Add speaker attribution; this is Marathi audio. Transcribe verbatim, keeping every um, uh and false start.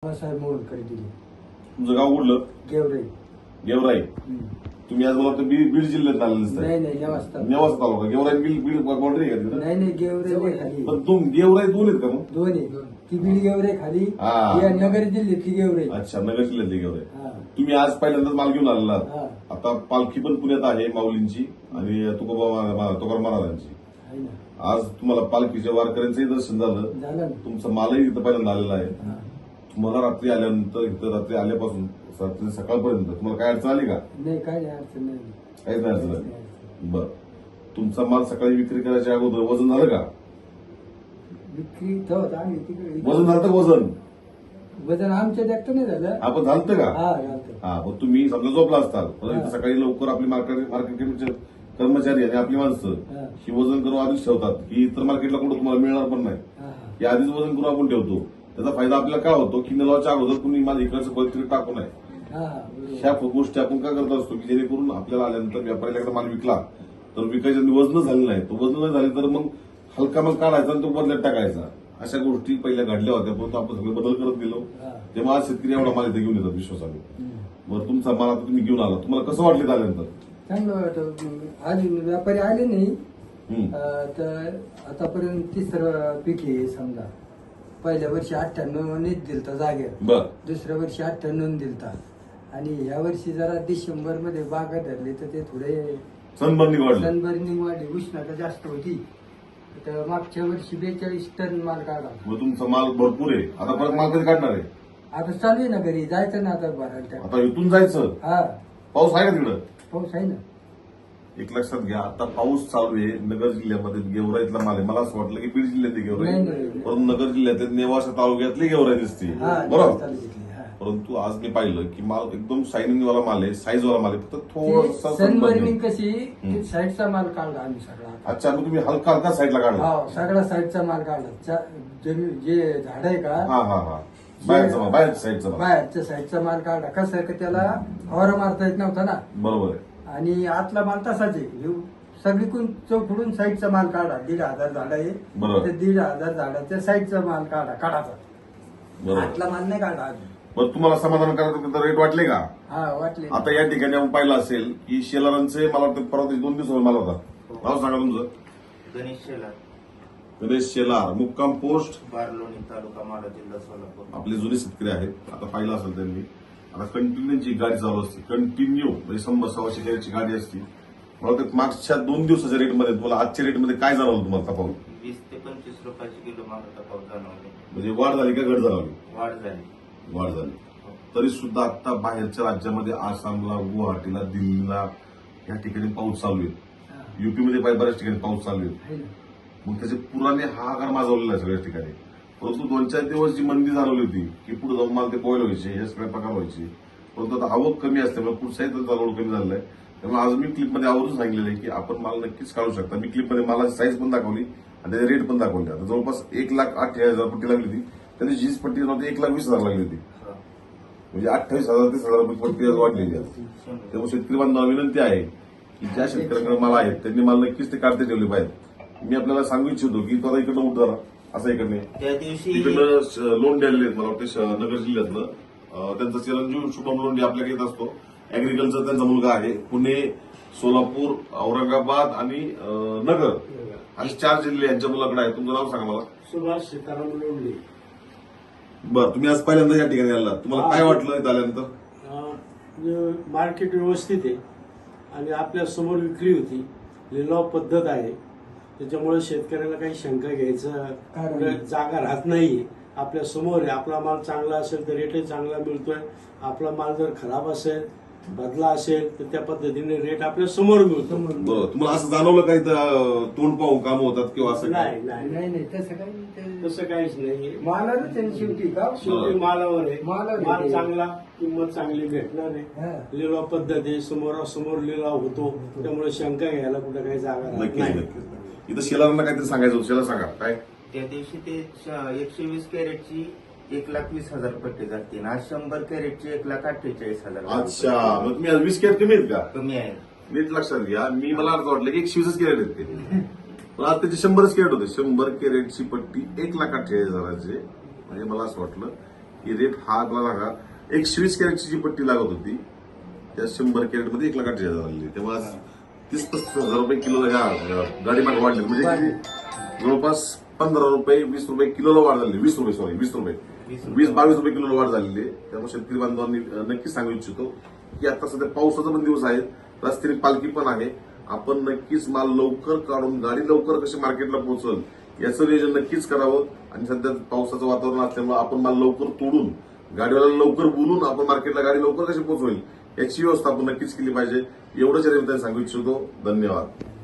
Speaker 1: आप्पासाहेब मोहनकडे दिली.
Speaker 2: तुमचं गाव कुठलं?
Speaker 1: गेवराई.
Speaker 2: गेवराई. तुम्ही आज मला वाटतं बीड बीड जिल्ह्यात आलेलं दिसतंय.
Speaker 1: नाही नाही नेवासा.
Speaker 2: नेवासा तालुका. गेवराई बीड बीड बाउंड्री आहे का तिथं?
Speaker 1: नाही नाही गेवराई खाली.
Speaker 2: पण तुम गेवराई दोन आहेत का मग?
Speaker 1: दोन आहे. ती बीड गेवराई खाली,
Speaker 2: हा.
Speaker 1: या नगर जिल्ह्यातली गेवराई.
Speaker 2: अच्छा, नगर जिल्ह्यातली गेवराई.
Speaker 1: हा.
Speaker 2: तुम्ही आज पहिल्यांदाच माल घेऊन आलेला आहात.
Speaker 1: हा.
Speaker 2: आता पालखी पण पुण्यात आहे माऊलींची आणि तुकोबा तुकाराम महाराजांची.
Speaker 1: आहे ना.
Speaker 2: आज तुम्हाला पालखीच्या वारकऱ्यांचंही दर्शन झालं.
Speaker 1: झालं ना.
Speaker 2: तुमचा मालही इथं पहिल्यांदा आलेला आहे.
Speaker 1: हा.
Speaker 2: तुम्हाला रात्री आल्यानंतर इथं रात्री आल्यापासून रात्री सकाळपर्यंत तुम्हाला काय अडचण आली का?
Speaker 1: नाही काय नाही अडचण नाही.
Speaker 2: काहीच नाही अडचण आली. बरं, तुमचा माल सकाळी विक्री करायच्या अगोदर वजन झालं का?
Speaker 1: विक्री तर आम्ही तिकडे
Speaker 2: वजन झालं का? वजन
Speaker 1: वजन आमच्या देखत नाही झालं.
Speaker 2: आपण झालं का?
Speaker 1: हा झालं.
Speaker 2: हा, मग तुम्ही समजा झोपला असताल पण
Speaker 1: हा.
Speaker 2: इथं सकाळी लवकर आपली मार्केट मार्केटचे कर्मचारी आणि आपली माणसं
Speaker 1: हा.
Speaker 2: ही वजन करून आधीच ठेवतात की इतर मार्केटला कुठं तुम्हाला मिळणार पण नाही.
Speaker 1: हा, हा.
Speaker 2: या आधीच वजन करून आपण ठेवतो. त्याचा फायदा आपल्याला काय होतो की निलावाच्या अगोदर कुणी माल इकडचं परिस्थिती टाकू नये.
Speaker 1: हा, हा, बरोबर.
Speaker 2: ह्या गोष्टी आपण काय करत असतो की जेणेकरून आपल्याला आल्यानंतर व्यापाऱ्याला एकदा माल विकला तर विकायच्या वजन झालं नाही, तो वजन नाही झाले तर मग हलका माल काढायचा आणि तो बदल्यात टाकायचा. अशा गोष्टी पहिल्या घडल्या होत्या, परंतु आपण सगळे बदल करत गेलो.
Speaker 1: हा.
Speaker 2: तेव्हा आज शेतकरी एवढा माल इथे घेऊन येतात विश्वासाने.
Speaker 1: हम्म.
Speaker 2: बरं, तुमचा माल आता तुम्ही घेऊन आला, तुम्हाला कसं वाटलं आल्यानंतर?
Speaker 1: चांगलं वाटत. अजून व्यापारी आले नाही.
Speaker 2: हम्म.
Speaker 1: अं, तर आतापर्यंत तिसरं पीक आहे समजा. पहिल्या वर्षी अठ्ठ्याण्णव नीट दिलता जागेवर,
Speaker 2: बर
Speaker 1: दुसऱ्या वर्षी अठ्ठ्याण्णव दिलता आणि ह्या वर्षी जरा डिसेंबर मध्ये बागा धरले तर ते थोडे
Speaker 2: सनबर्नी वाढलं.
Speaker 1: सनबर्निंग वाढली, उष्णता जास्त होती. तर मागच्या वर्षी बेचाळीस टन माल काढला.
Speaker 2: मग तुमचा माल भरपूर आहे. आता परत माल कधी काढणार आहे?
Speaker 1: आता चालू आहे ना घरी जायचं ना आता भरायला त्या.
Speaker 2: आता इथून जायचं.
Speaker 1: हा
Speaker 2: पाऊस आहे का तिकडं?
Speaker 1: पाऊस आहे ना.
Speaker 2: एक लक्षात घ्या, आता पाऊस चालू आहे. नगर जिल्ह्यामध्ये गेवराईतला माल आहे. मला असं वाटलं की बीड जिल्ह्यातली गेवराई,
Speaker 1: नाही, नाही.
Speaker 2: परंतु नगर जिल्ह्यात नेवासा तालुक्यातली गेवराई दिसते.
Speaker 1: हा
Speaker 2: बरोबर.
Speaker 1: चालू घेतली. हा.
Speaker 2: परंतु आज मी पाहिलं की माल एकदम शायनिंग वाला माल आहे, साईज वाला माल आहे. फक्त
Speaker 1: ते
Speaker 2: थोडासा
Speaker 1: सनबर्निंग
Speaker 2: sunburn आहे.
Speaker 1: कशी
Speaker 2: हम्म.
Speaker 1: साईडचा माल काढला आम्ही सगळा.
Speaker 2: अच्छा, मग तुम्ही हलका हलका साईडला काढला.
Speaker 1: हा सगळा साईडचा माल काढला. चा- जमी- जे झाड आहे का
Speaker 2: हा हा हा बाहेरचा माल, बाहेरच्या साईडचा माल.
Speaker 1: बाहेरच्या साईडचा माल काढला. कसं आहे की त्याला फवारा मारता येत नव्हता ना.
Speaker 2: बरोबर आहे.
Speaker 1: आणि आतला माल तसाच आहे. ह्यो सगळीकडून चौकडून साईडचा माल काढा. दीड हजार झाड आहे.
Speaker 2: बरोबर.
Speaker 1: ते दीड हजार झाडाच्या साईडचा माल काढा काढाचा.
Speaker 2: बरोबर.
Speaker 1: आतला माल नाही काढा अजून.
Speaker 2: बरं, तुम्हाला समाधान करायचं रेट वाटले का?
Speaker 1: हा वाटले.
Speaker 2: आता या ठिकाणी आपण पाहिलं असेल की शेलारांचे मला वाटतं परवा दिवशी दोन दिवस माल होता. नाव सांगा तुमचं?
Speaker 3: गणेश शेलार,
Speaker 2: गणेश शेलार, मुक्काम पोस्ट
Speaker 3: बारलोणी, तालुका माडा, जिल्हा सोलापूर.
Speaker 2: आपले जुने शेतकरी आहेत. आता पाहिलं असेल त्यांनी, आता कंटिन्यूची गाडी चालू असते. कंटिन्यू म्हणजे शंभर सव्वाशे कॅरेटची गाडी असते. मला वाटतं मागच्या दोन दिवसाच्या रेटमध्ये तुम्हाला आजच्या रेटमध्ये काय जाणवलं तुम्हाला तफावत?
Speaker 3: वीस ते पंचवीस रुपयाचे किलो माल तफावत जाणवले.
Speaker 2: म्हणजे वाढ झाली का घट जाणवली?
Speaker 3: वाढ झाली.
Speaker 2: वाढ झाली. तरी सुद्धा आता बाहेरच्या राज्यामध्ये आसामला, गुवाहाटीला, दिल्लीला या ठिकाणी पाऊस चालू आहे.
Speaker 1: हा.
Speaker 2: युपीमध्ये पाय बऱ्याच ठिकाणी पाऊस चालू आहे.
Speaker 1: आहे ना.
Speaker 2: मग त्याचे पुराने हाहाकार माजवलेला आहे सगळ्याच ठिकाणी. परंतु दोन चार दिवस जी मंदी जाणवली होती की पुढे जाऊन मला ते बॉईल व्हायचे, हे सगळे प्रकार व्हायचे. परंतु आता आवक कमी असल्यामुळे पुढचाही त्यांचा लोड कमी झालेला आहे. त्यामुळे आज मी क्लिपमध्ये आवर्जून सांगितलेलं आहे की आपण माल नक्कीच काढू शकता. मी क्लिपमध्ये मालाची साईज पण दाखवली आणि त्याचे रेट पण दाखवले. आता जवळपास एक लाख अठ्ठेचाळीस हजार पट्टी लागली होती. त्यांची जीस पट्टी नव्हती एक लाख वीस हजार लागली होती. म्हणजे अठ्ठावीस हजार तीस हजार रुपये पट्टी आज वाढलेली आहे. त्यामुळे शेतकरी बांधवांना विनंती आहे की ज्या शेतकऱ्यांकडे माल आहेत त्यांनी माल नक्कीच ते काढते ठेवले पाहिजे. मी आपल्याला सांगू इच्छितो की तो आता इकडनं उठ जरा असं इकडने
Speaker 3: त्या दिवशी
Speaker 2: इकडनं लोंढे आलेले आहेत. मला वाटतं श- नगर जिल्ह्यातलं अं, त्यांचा चिरंजीव शुभम लोंढे आपल्याकडे येत असतो. अॅग्रिकल्चर त्यांचा मुलगा आहे. पुणे, सोलापूर, औरंगाबाद आणि अं, नगर असे चार जिल्हे यांच्या मुलाकडे आहे. तुमचं नाव सांगा मला.
Speaker 4: सुभाष सीताराम लोंढे.
Speaker 2: बरं, तुम्ही आज पहिल्यांदा या ठिकाणी आला, तुम्हाला काय वाटलं इथं आल्यानंतर?
Speaker 4: अं, मार्केट व्यवस्थित आहे आणि आपल्या समोर विक्री होती. लिलाव पद्धत आहे, त्याच्यामुळे शेतकऱ्याला काही शंका घ्यायचं
Speaker 1: कारण
Speaker 4: कुठे जागा राहत नाहीये. आपल्या समोर आहे. आपला माल चांगला असेल तर रेटही चांगला मिळतोय. आपला माल जर खराब असेल, बदला असेल तर त्या पद्धतीने रेट आपल्या समोर मिळतो.
Speaker 2: बरं, तुम्हाला असं जाणवलं का इथं अं, तोंड पाहून काम होतात किंवा असं काय?
Speaker 4: नाही नाही
Speaker 1: नाही नाही तसं काही ते-
Speaker 4: तसं काहीच नाही.
Speaker 1: मालालाच आहे शेवटी का.
Speaker 4: शेवटी मालावर आहे.
Speaker 1: मालावर
Speaker 4: माल
Speaker 1: आहे.
Speaker 4: चांगला, किंमत चांगली भेटणार आहे.
Speaker 1: हा.
Speaker 4: लिलाव पद्धत आहे, समोरासमोर लिलाव होतो. त्यामुळे शंका घ्यायला कुठे काही जागा राहत
Speaker 2: नक्कीच
Speaker 4: नाही.
Speaker 2: नक्कीच. इथं शेलारांना काहीतरी सांगायचं होतं. शेला सांगा काय?
Speaker 3: त्या दिवशी ते श- एकशे वीस कॅरेटची एक लाख वीस हजार पट्टी जाते. आज शंभर कॅरेटची एक लाख अठ्ठेचाळीस हजार
Speaker 2: अच्छा, मग तुम्ही आज वीस कॅरेट कमी आहेत का?
Speaker 3: कमी आहे.
Speaker 2: नीट लक्षात घ्या. मी मला अर्थ वाटलं की एकशे वीसच कॅरेट आहेत ते, पण आज त्याचे शंभरच कॅरेट होते. शंभर कॅरेटची पट्टी एक लाख अठ्ठेचाळीस हजाराचे. म्हणजे मला असं वाटलं की रेट हा आपल्याला का एकशे वीस कॅरेटची जी पट्टी लागत होती त्या शंभर कॅरेटमध्ये एक लाख अठ्ठावीस हजार आली. तेव्हा आज तीस पस्तीस हजार रुपये किलो ह्या गाडी माग वाढले, म्हणजे किती? जवळपास पंधरा रुपये वीस रुपये किलोला वाढ झाली. वीस रुपये सॉरी वीस रुपये वीस बावीस रुपये किलोला वाढ झालेली आहे. त्यामुळे शेतकरी बांधवांनी नक्कीच सांगू इच्छितो की आता सध्या पावसाचा पण दिवस आहेत, रस्त्याने पालखी पण आहे. आपण नक्कीच माल लवकर काढून गाडी लवकर कशी मार्केटला पोहोचल याचं नियोजन नक्कीच करावं. आणि सध्या पावसाचं वातावरण असल्यामुळे आपण माल लवकर तोडून गाडीवाला लवकर बोलून आपण मार्केटला गाडी लवकर कशी पोहोचवेल याची व्यवस्था आपण नक्कीच केली पाहिजे. एवढंच या निमित्ताने सांगू इच्छितो. धन्यवाद.